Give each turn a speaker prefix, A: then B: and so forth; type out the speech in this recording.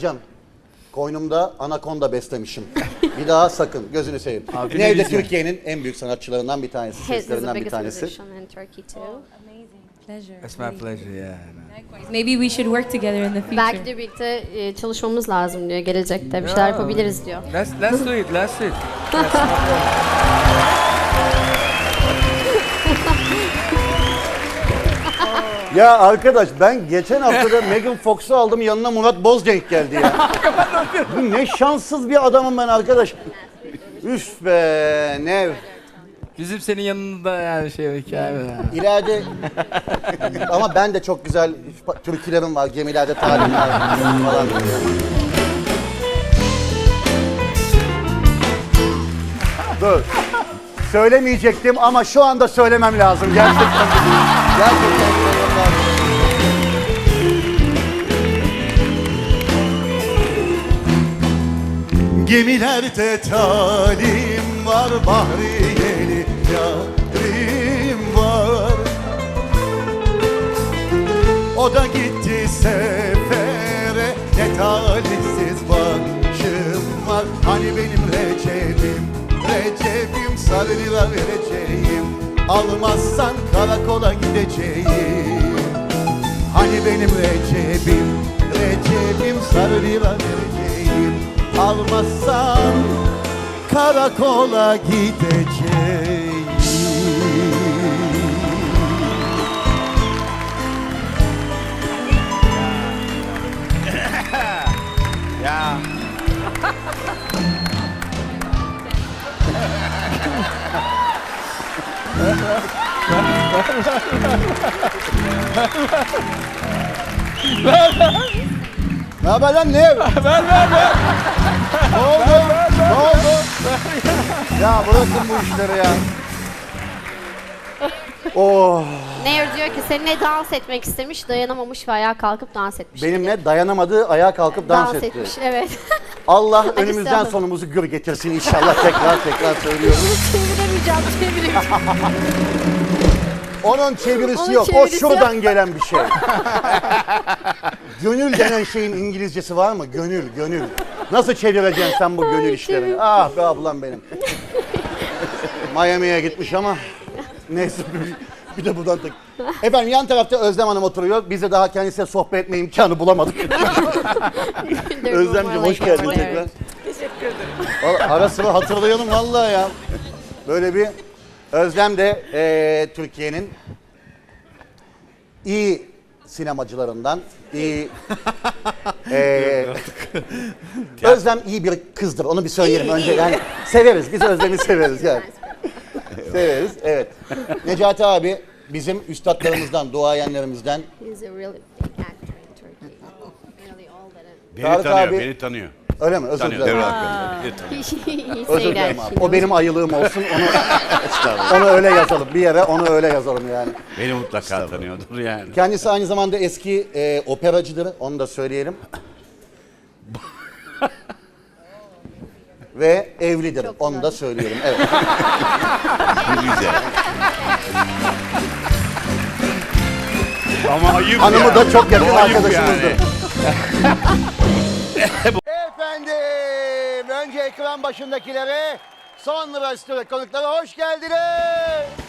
A: hocam. Koynumda anakonda beslemişim. Bir daha sakın gözünü seveyim.
B: Abi,
A: Yine de
B: ne güzel.
A: Türkiye'nin en büyük sanatçılarından bir tanesi,
C: He's the
A: seslerinden bir
C: biggest
A: tanesi.
C: musician in Turkey too.
D: Pleasure.
B: It's my pleasure, yeah.
D: Maybe we should work together in the future.
C: Belki de birlikte çalışmamız lazım diyor gelecekte. Bir şeyler yapabiliriz diyor.
B: Let's do it, let's do it.
A: Ya arkadaş ben geçen hafta da Megan Fox'u aldım, yanına Murat Bozcenk geldi ya. Bu ne şanssız bir adamım ben arkadaş. Üf be ne.
B: Bizim senin yanında yani hikaye var.
A: İleride ama ben de çok güzel türkülerim var, gemilerde talim var falan. Dur. Söylemeyecektim ama şu anda söylemem lazım gerçekten. Gerçekten söylemem lazım.
E: Gemilerde talim var, bahriyeli yarim var. O da gitti sefere, ne talihsiz başım var. Hani benim Recep'im sarı lira vereceğim. Almazsan karakola gideceğim. Hani benim Recep'im sarı lira vereceğim. Almazsan karakola gideceğim.
B: Ya.
A: Ne haber lan ne? Ver. Ne oldu? Ne oldu? Ya bırakın bu işleri ya. Oh.
C: Nair diyor ki seninle dans etmek istemiş, dayanamamış ve ayağa kalkıp dans etmiş.
A: Benimle dayanamadı, ayağa kalkıp dans etti.
C: etmiş, evet.
A: Allah
C: Hadi
A: önümüzden
C: sen.
A: sonumuzu gür getirsin inşallah, tekrar söylüyorum.
C: Çeviremeyeceğim.
A: Onun çevirisi
C: Onun
A: yok,
C: çevirisi
A: o şuradan gelen bir şey. Gönül denen şeyin İngilizcesi var mı? Gönül. Nasıl çevireceksin sen bu gönül işlerini? Ah be ablam benim. Miami'ye gitmiş ama neyse bir de buradan tek. Efendim yan tarafta Özlem Hanım oturuyor. Biz de daha kendisiyle sohbet etme imkanı bulamadık. Özlemciğim hoş geldin tekrar.
D: Teşekkür ederim.
A: Ara sıra hatırlayalım vallahi ya. Böyle bir Özlem de Türkiye'nin iyi sinemacılarından, iyi Özlem iyi bir kızdır. Onu bir söyleyelim önce. Yani severiz. Biz Özlem'i severiz yani. Severiz. Evet. Necati abi bizim üstadlarımızdan, duayenlerimizden.
C: He's a really big actor in Turkey. Really old and
F: Beni
A: Tarık
F: tanıyor,
A: abi-
F: beni tanıyor.
A: Öyle mi? Özür
F: Tanıyor,
A: dilerim.
F: devre hakkında. Beni tanıyor.
C: he
A: Özür
C: say
A: dilerim
C: that.
A: abi. O benim ayılığım olsun. Onu öyle yazalım. Bir yere onu öyle yazalım yani.
F: Beni mutlaka tanıyordur yani.
A: Kendisi aynı zamanda eski operacıdır. Onu da söyleyelim. Ve evlidir.
C: Çok
A: Onu
C: güzel.
A: da söyleyelim. Evet.
F: Güzel. Ama ayıp
A: Hanımı
F: ya.
A: da çok yakın
F: Ayıp
A: arkadaşımızdır.
F: yani.
A: Efendim, önce ekran başındakilere, sonra stüdyo konuklara hoş geldiniz.